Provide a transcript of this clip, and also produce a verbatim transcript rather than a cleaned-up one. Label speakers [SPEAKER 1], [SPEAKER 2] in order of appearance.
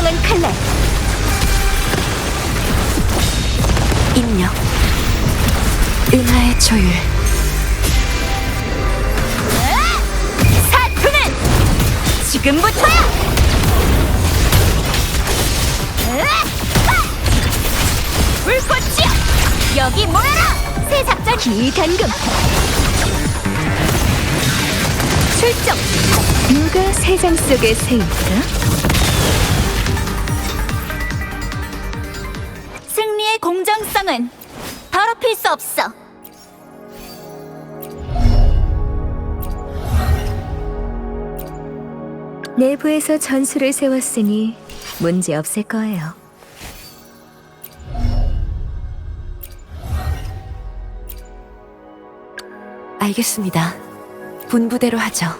[SPEAKER 1] 공정한 칼날. 입력. 은하의 조율. 사투는 지금부터야! 불꽃이여! 여기 모여라! 새 작전 기단금! 출정! 누가 세장 속의 새일까? 승리의 공정성은 더럽힐 수 없어! 내부에서 전술을 세웠으니 문제 없을 거예요. 알겠습니다. 분부대로 하죠.